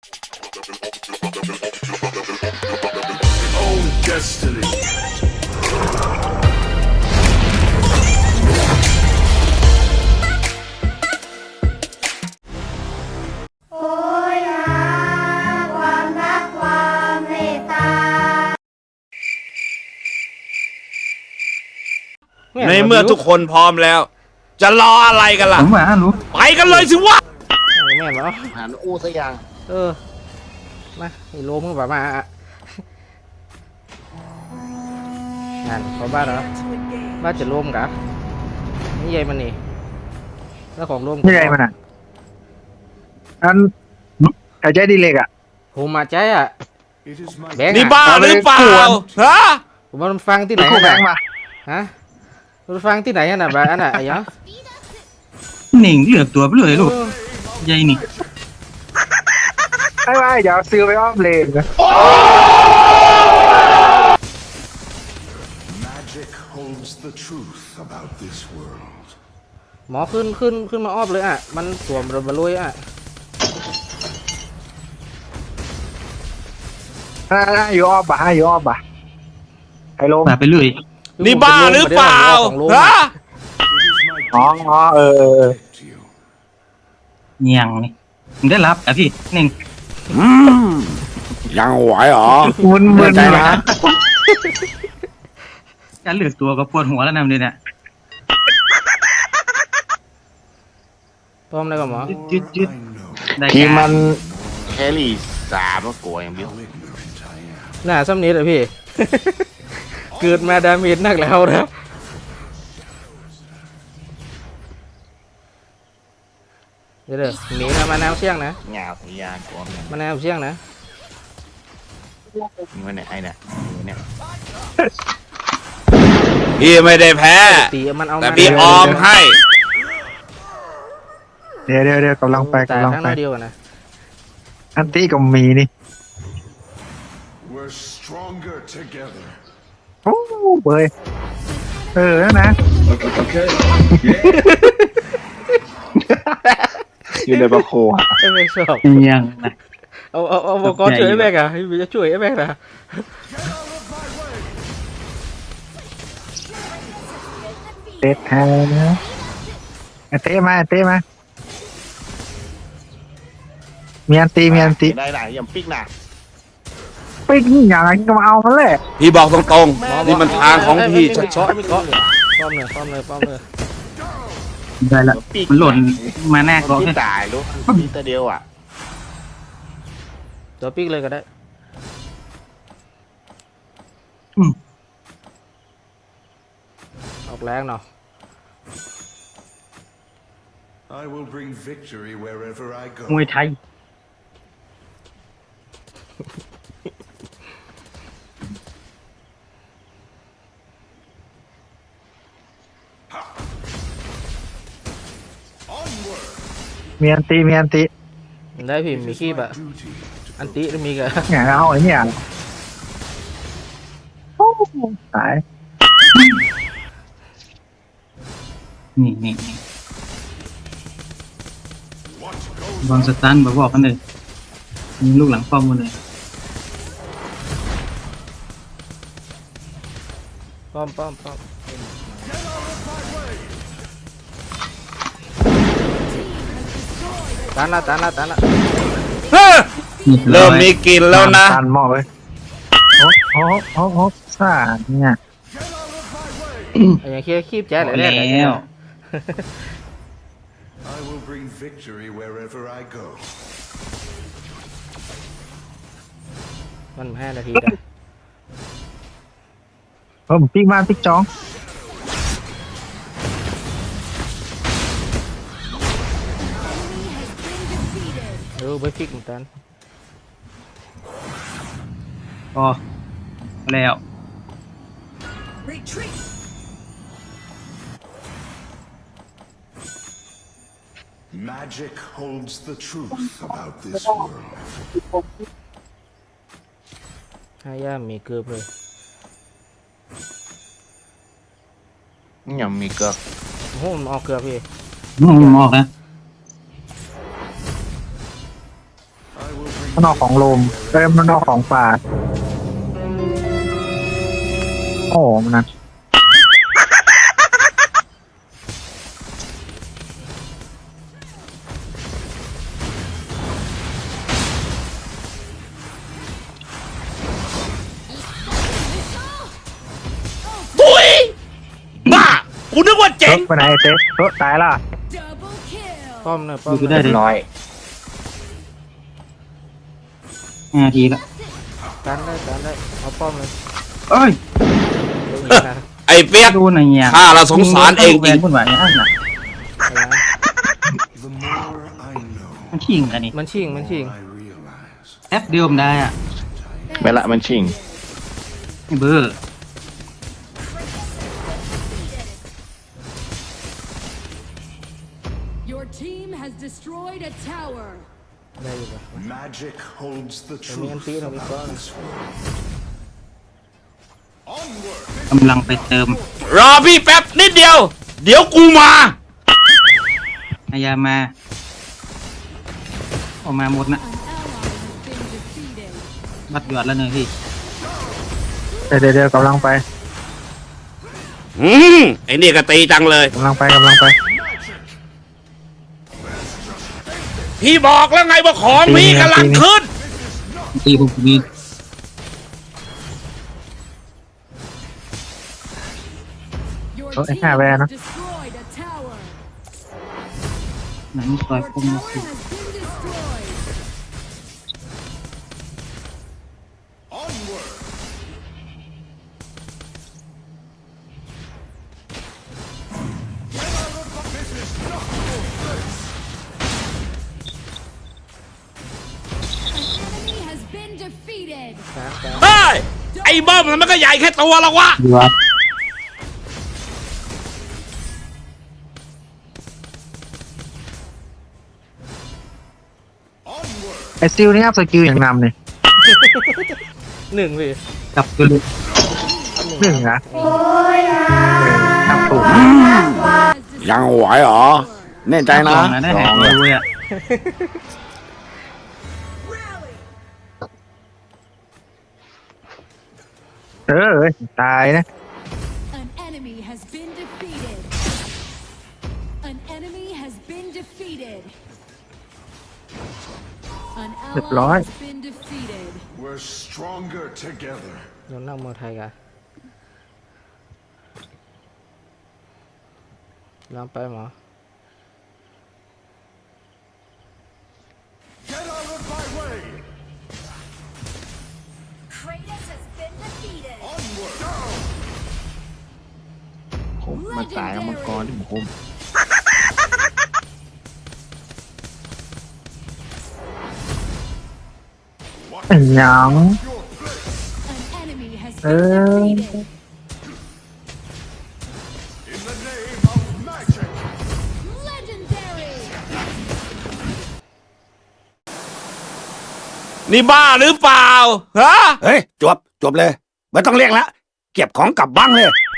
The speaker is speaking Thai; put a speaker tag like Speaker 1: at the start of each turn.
Speaker 1: Own destiny.
Speaker 2: โอ้ยหาความรักความเมตตา
Speaker 3: ในเมื่อทุกคนพร้อมแล้ว จะรออะไรกันล่ะ
Speaker 4: ผมว่ารู้
Speaker 3: ไปกันเลยสิวะ
Speaker 5: แม่นเหรอ
Speaker 6: หันอู้สักอย่าง
Speaker 5: มาไอ้โลมึงแบบมานั่นเขาบ้านเหรอบ้านจะรวมกะนี่ใหญ่มันนี่แล้วของรวม
Speaker 4: นี่ไงมันอ่ะอันหายใจดีเล็กอ่ะ
Speaker 5: ผมมาใจอ่ะ
Speaker 1: It is my
Speaker 5: แบงค์
Speaker 3: นี่บ้าหรือเปล่าฮะ
Speaker 5: ผมมันฟังที่ไหน
Speaker 4: คู่แบงค์
Speaker 5: น่ะ
Speaker 4: มา
Speaker 5: ฮะมันฟังที่ไหนน่ะแบบอันน่ะไอ้ยัง
Speaker 4: หนิงเหลือกตัวไปเลยลูกใหญ่นี่ไม่เดี๋ยวซื้อไปอ้อมเลนนะ
Speaker 1: magic holds the truth about this world.
Speaker 5: หมอขึ้นมาอ้อมเลยอ่ะมันสวมระเบิดลุยอ่ะ
Speaker 4: อยู่อ้อมบ่ะอยู่อ้อมบ่ะไฮโลมไปเลย
Speaker 3: นี่บ้าหรือเปล่าฮะ
Speaker 1: It is my
Speaker 4: อ๋อ
Speaker 1: to you.
Speaker 4: เงียงนี่มึงได้รับอ่ะพี่หนิง
Speaker 3: ยังไหวเหรอ
Speaker 4: มึนนะการเหลือกตัวก็ปวดหัวแล้วนะเนี่ย
Speaker 5: พร้อมเลยกับหมอ
Speaker 4: ยืด
Speaker 1: I know
Speaker 6: ทีมมันแครี่สามก็กลัวอย่างเดียว
Speaker 1: how ignorant I am.
Speaker 5: หน้าซ้ำนี้เลยพี่ เกิดมาดาเมจนักแล้วนะเดี๋ยวหนีนะมาแนวเชี่ยงนะ
Speaker 6: หงาพยานกลัวมัน
Speaker 5: มาแนวเชี่ยงนะ
Speaker 6: มันเนี่ยไอ้เนี่ยเนี่ย
Speaker 3: พี่ไม่ได้แพ้
Speaker 5: ตีมันเอา
Speaker 3: แต่พี่ออมให้
Speaker 4: เดี๋ยวกำลังไป
Speaker 5: แต่
Speaker 4: กำลัง
Speaker 5: ข้างห
Speaker 4: ไป
Speaker 5: น้าเดียวกันนะ
Speaker 4: อันตี้ก็มีนี่
Speaker 1: We're stronger together.
Speaker 4: โอ้เบยนั่นนะ
Speaker 6: อยู่ในบาโค
Speaker 5: ไอ้แม่งชอบ
Speaker 4: เงียงนะ
Speaker 5: เอาบอกก่อนช่วยไอ้แม่งอ่ะพี่จะช่วยไอ้แม่งนะ
Speaker 4: เตะแทนนะเตะมามีอันตี
Speaker 6: ได้หน่ะยังปิ๊กหน่ะ
Speaker 4: ปิ้งอย่างไรก็มาเอามันแหละ
Speaker 3: พี่บอกตรงๆ นี่มันทางของพี่ชัด
Speaker 5: ไม่เกาะเลยป้อมเลย
Speaker 4: ได้ละ
Speaker 6: ปิ๊ก
Speaker 4: มันหล่นมาแน่ก็
Speaker 6: ที่ตายรู้ปีตัวเดียวอ่ะ
Speaker 5: ตัวปิ๊กเลยก็ได้ออกแรงเนาะ
Speaker 1: I will bring victory wherever I
Speaker 4: มวย
Speaker 1: go.
Speaker 4: ไทย
Speaker 1: Onward.
Speaker 4: มีอันตี
Speaker 5: ได้พี่
Speaker 1: It
Speaker 5: มี
Speaker 1: is
Speaker 5: ขี้
Speaker 1: my
Speaker 5: แบบ
Speaker 1: duty to
Speaker 5: อันติมีกะ
Speaker 4: เนี่ยเอาไอ้เนี่ยโอ้ตายนี่
Speaker 1: what goes
Speaker 4: บอลสตันบอกกันเลยมีลูกหลังป้อมกันเลย
Speaker 5: ป้อมตันละ
Speaker 3: ๆเฮ้ยเริ่มมีกลิ่นแล้วนะ
Speaker 4: ตันหมอเลยโอ้ซ่าเนี่ย
Speaker 5: ไอ้ยังเคี้ยคีบแจ๊เลยแน่
Speaker 4: แล้ว
Speaker 1: I will bring victory wherever I go.
Speaker 5: มัน5 นาทีได้
Speaker 4: ผมปิ๊กมาปิ๊กจ้อง
Speaker 5: ไปฟิกเหมือนกัน
Speaker 4: อ๋อแล้ว
Speaker 1: Magic holds the truth about this world.
Speaker 5: 5 ย่ามมีเกือบเลย
Speaker 6: ยังมีเกือบ
Speaker 5: โอ้โหมันออกเกือบพี่
Speaker 4: ออกนะ
Speaker 1: I will bring
Speaker 4: มันออกของโลมมันออกของป่าโอ้มันนะ
Speaker 3: ตุยบ้ากูนึกว่าเจ๋ง
Speaker 4: ไปไหนไอ้เต๊ะตายละ
Speaker 5: ป้อมหน่อยป้อม
Speaker 7: ดู
Speaker 5: หน่
Speaker 7: ได้
Speaker 5: อย
Speaker 7: เลย
Speaker 6: น้อย
Speaker 7: 5 นาทีแล้ว
Speaker 5: กันได้เอาป้อมเลย
Speaker 7: เอ้ย
Speaker 5: เดี๋ยวยิงนะ
Speaker 3: ไอ้เปียก
Speaker 7: ดูหน่อยเนี่ย
Speaker 3: ข้าละสงสารเองจ
Speaker 7: แหว
Speaker 3: ริ
Speaker 7: น
Speaker 3: ง
Speaker 7: พุ่นไหวอ่ะน่ะ
Speaker 5: อะไรนะ
Speaker 1: The more I know,
Speaker 7: มันชิงอันนี้
Speaker 5: มันชิง
Speaker 1: I realize.
Speaker 7: แอปเดียวมนได้อ่ะ
Speaker 6: ไม่ละมันชิง
Speaker 7: ไอ้เบอร์
Speaker 8: Your team has destroyed a tower.
Speaker 5: ได้อยู่ปะ
Speaker 1: Magic holds the
Speaker 5: me
Speaker 1: truth
Speaker 5: anti, no me
Speaker 1: about
Speaker 5: con.
Speaker 1: this world. Onward!
Speaker 7: กำลังไปเติม
Speaker 3: รอพี่แป๊บนิดเดียว เดี๋ยวกูมา
Speaker 7: อายามาออกมาหมดนะ
Speaker 8: An ally has been defeated.
Speaker 7: บัดหยอดแล้วเนยพี่
Speaker 4: เดี๋ยวกำลังไป
Speaker 3: ไอ้นี่ก็ตีจังเลย
Speaker 4: กำลังไป
Speaker 3: พี่บอกแล้วไงว่าของมีกำลังขึ้น
Speaker 7: ตีผมมี
Speaker 8: Your
Speaker 4: Oh,
Speaker 8: team
Speaker 4: yeah, man.
Speaker 8: has destroyed a tower.
Speaker 7: หนังซอย
Speaker 8: Your
Speaker 7: คม
Speaker 8: tower
Speaker 7: มา
Speaker 8: has
Speaker 7: สิ
Speaker 8: been destroyed.
Speaker 1: Onward!
Speaker 8: An enemy has been defeated.
Speaker 3: เฮ้ย ไอ้บ้อมมันก็ใหญ่แค่ตัวละวะ
Speaker 7: หยอด
Speaker 4: ไอ้ซิลนี่อัพสกิลอย่างนำเนี่ย
Speaker 5: หนึ่งพี่
Speaker 7: จับตัวเลย
Speaker 4: หนึ่งนะ
Speaker 2: โอ้ยนะ
Speaker 4: นับถูก
Speaker 6: ยังไหวเหรอ แน่ใจนะ
Speaker 7: ลองนะได้แหกเลยอ่ะ
Speaker 4: ตายนะ
Speaker 8: An enemy has been defeated. An enemy has been defeated. An ally has been defeated.
Speaker 1: We're stronger together.
Speaker 5: โดนนั่งมอไทยกันลองไปหมอ
Speaker 1: Get out of my way!
Speaker 2: Kratos has been defeated
Speaker 1: Onward!
Speaker 6: ผมมาตายกับมังกรที่ผมคุม
Speaker 4: ยัง
Speaker 8: An enemy has
Speaker 4: Uh.
Speaker 8: been defeated.
Speaker 1: In the name of magic!
Speaker 8: Legendary.
Speaker 3: นี่บ้าหรือเปล่า ฮะ เฮ้ย จบเลย ไม่ต้องเรียกแล้ว เก็บของกลับบ้างเลย